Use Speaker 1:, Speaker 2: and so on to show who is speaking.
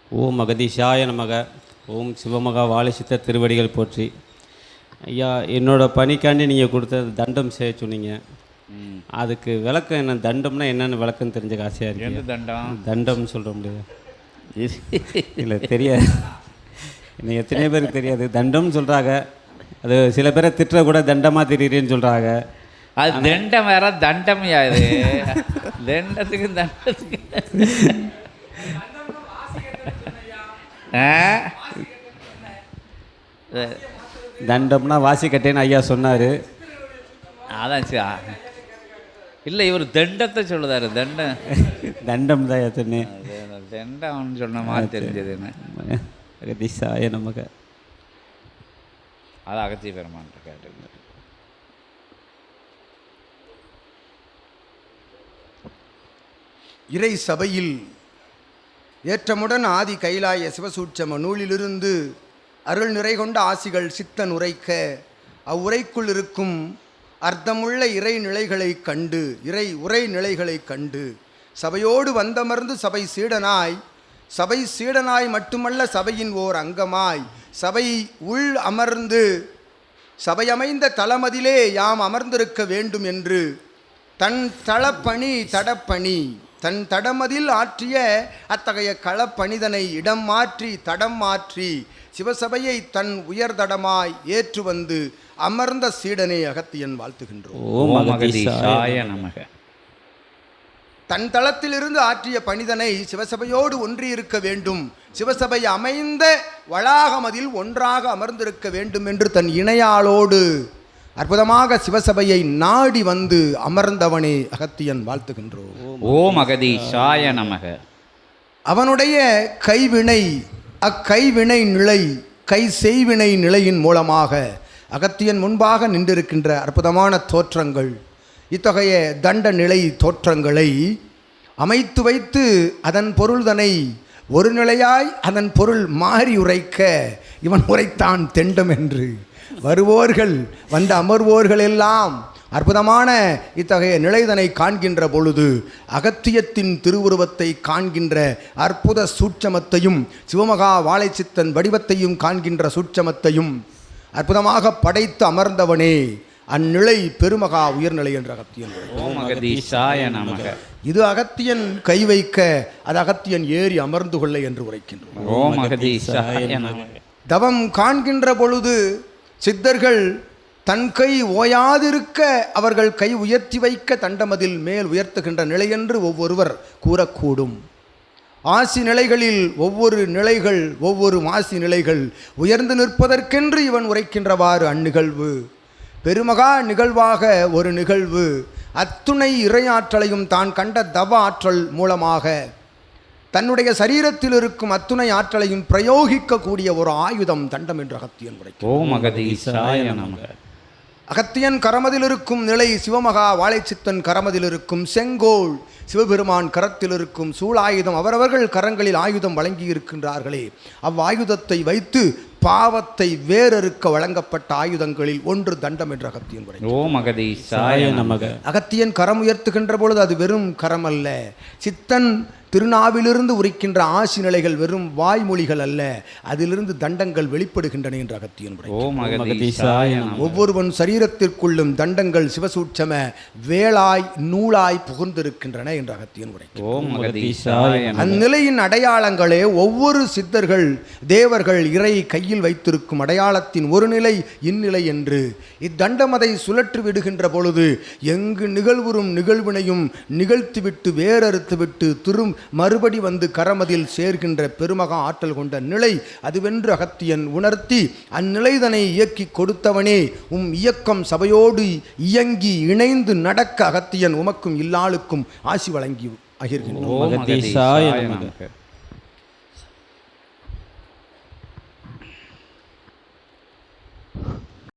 Speaker 1: ஓம் அகதீஷாய நமக. ஓம் சிவமகா வாழைச்சித்த திருவடிகள் போற்றி. ஐயா, என்னோடய பணிக்காண்டி நீங்கள் கொடுத்த தண்டம் செய்ய சொன்னீங்க. அதுக்கு விளக்கம் என்ன? தண்டம்னா என்னென்னு விளக்கம் தெரிஞ்சுக்க ஆசையாக இருக்கு.
Speaker 2: எந்த தண்டம்?
Speaker 1: தண்டம்னு சொல்கிற முடியாது இல்லை, தெரியாது. இன்னும் எத்தனை பேருக்கு தெரியாது. தண்டம்னு சொல்கிறாங்க. அது சில பேரை திட்டுற கூட தண்டமாக திடீர்னு சொல்கிறாங்க.
Speaker 2: அது தண்டம் வேற, தண்டம் யாது தண்டத்துக்கு தண்டத்துக்கு
Speaker 1: தண்டம்னா வாசி கட்டேன்னு ஐயா சொன்னார்.
Speaker 2: அதான் இல்லை, இவர் தண்டத்தை சொல்லுதாரு. தண்டம்
Speaker 1: தண்டம் தான் எத்தனை
Speaker 2: தண்டம்னு சொன்ன மாதிரி தெரிஞ்சதுன்னு.
Speaker 1: அகதீஷாய நமக.
Speaker 2: அது அகத்திய பெருமான்ட்ட கேட்டு.
Speaker 3: இறை சபையில் ஏற்றமுடன் ஆதி கைலாய சிவசூட்சம நூலிலிருந்து அருள் நிறை கொண்ட ஆசிகள் சித்தன் உரைக்க அவ்வுரைக்குள் இருக்கும் அர்த்தமுள்ள இறை நிலைகளை கண்டு உரை நிலைகளை கண்டு சபையோடு வந்தமர்ந்து சபை சீடனாய் மட்டுமல்ல சபையின் ஓர் அங்கமாய் சபை உள் அமர்ந்து சபையமைந்த தளமதிலே யாம் அமர்ந்திருக்க வேண்டும் என்று தன் தடப்பணி தன் தடமதில் ஆற்றிய அத்தகைய களப்பணிதனை தடம் மாற்றி சிவசபையை தன் உயர்தடமாய் ஏற்று வந்து அமர்ந்த சீடனை அகத்தியன் வாழ்த்துகின்றோம். தன் தளத்திலிருந்து ஆற்றிய பணிதனை சிவசபையோடு ஒன்றியிருக்க வேண்டும், சிவசபை அமைந்த வளாகமதில் ஒன்றாக அமர்ந்திருக்க வேண்டும் என்று தன் இணையாளோடு அற்புதமாக சிவசபையை நாடி வந்து அமர்ந்தவனே அகத்தியன் வாழ்த்துகின்றோம்.
Speaker 2: ஓம் அகதீஷாய நமக.
Speaker 3: அவனுடைய அக்கைவினை நிலை செய்வினை நிலையின் மூலமாக அகத்தியன் முன்பாக நின்றிருக்கின்ற அற்புதமான தோற்றங்கள், இத்தகைய தண்ட நிலை தோற்றங்களை அமைத்து வைத்து அதன் பொருள்தனை ஒரு நிலையாய் அதன் பொருள் மாறி உரைக்க இவன் உரைத்தான் தெண்டம் என்று. வருவோர்கள் வந்த அமர்வோர்கள் எல்லாம் அற்புதமான இத்தகைய நிலைதனை காண்கின்ற பொழுது அகத்தியத்தின் திருவுருவத்தை காண்கின்ற அற்புத சூட்சமத்தையும் சிவமகா வாழைச்சித்தன் வடிவத்தையும் காண்கின்ற சூட்சமத்தையும் அற்புதமாக படைத்து அமர்ந்தவனே அந்நிலை பெருமகா உயர்நிலை என்ற அகத்தியன். இது அகத்தியன் கை வைக்க அது அகத்தியன் ஏறி அமர்ந்து கொள்ள என்று உரைக்கின்றோம். தவம் காண்கின்ற பொழுது சித்தர்கள் தன் கை ஓயாதிருக்க அவர்கள் கை உயர்த்தி வைக்க தண்டமதில் மேல் உயர்த்துகின்ற நிலை என்று ஒவ்வொருவர் கூறக்கூடும். ஆசி நிலைகளில் ஒவ்வொரு மாசி நிலைகள் உயர்ந்து நிற்பதற்கென்று இவன் உரைக்கின்றவாறு அந்நிகழ்வு பெருமகா நிகழ்வாக ஒரு நிகழ்வு அத்துணை இறையாற்றலையும் தான் கண்ட தவ ஆற்றல் மூலமாக தன்னுடைய சரீரத்தில் இருக்கும் அத்துணை ஆற்றலையும் பிரயோகிக்கக்கூடிய ஒரு ஆயுதம் தண்டம் என்று அகத்தியன் உரைக்கிறார். அகத்தியன் கரமதில் இருக்கும் நிலை சிவமகா வாழைச்சித்தன் கரமதில் இருக்கும் செங்கோல் சிவபெருமான் கரத்தில் இருக்கும் சூளாயுதம் அவரவர்கள் கரங்களில் ஆயுதம் வழங்கி இருக்கின்றார்களே அவ்வாயுதத்தை வைத்து பாவத்தை வேறறுக்க வழங்கப்பட்ட ஆயுதங்களில் ஒன்று தண்டம் என்று அகத்தியன் உரைக்கிறார். அகத்தியன் கரம் உயர்த்துகின்ற பொழுது அது வெறும் கரம் அல்ல, சித்தன் திருநாவிலிருந்து உரைக்கின்ற ஆசி நிலைகள் வெறும் வாய்மொழிகள் அல்ல, அதிலிருந்து தண்டங்கள் வெளிப்படுகின்றன என்று அகத்தியன் உரைக்கிறார். ஒவ்வொருவன் சரீரத்திற்குள்ளும் தண்டங்கள் சிவசூட்சம வேளாய் நூலாய் புகுந்திருக்கின்றன என்று அகத்தியன் உரைக்கிறார். அந்நிலையின் அடையாளங்களே ஒவ்வொரு சித்தர்கள் தேவர்கள் இறை கையில் வைத்திருக்கும் அடையாளத்தின் ஒரு நிலை இந்நிலை என்று இத்தண்டமதை சுழற்றி விடுகின்ற பொழுது எங்கு நிகழ்வுறும் நிகழ்வினையும் நிகழ்த்திவிட்டு வேறறுத்துவிட்டு மறுபடி வந்து கரமதில் சேர்கின்ற பெருமகா ஆற்றல் கொண்ட நிலை அதுவென்று அகத்தியன் உணர்த்தி அந்நிலைதனை இயக்கி கொடுத்தவனே இயக்கம் சபையோடு இயங்கி இணைந்து நடக்க அகத்தியன் உமக்கும் இல்லாளுக்கும் ஆசி வழங்கி அகிர்கின்றோம்.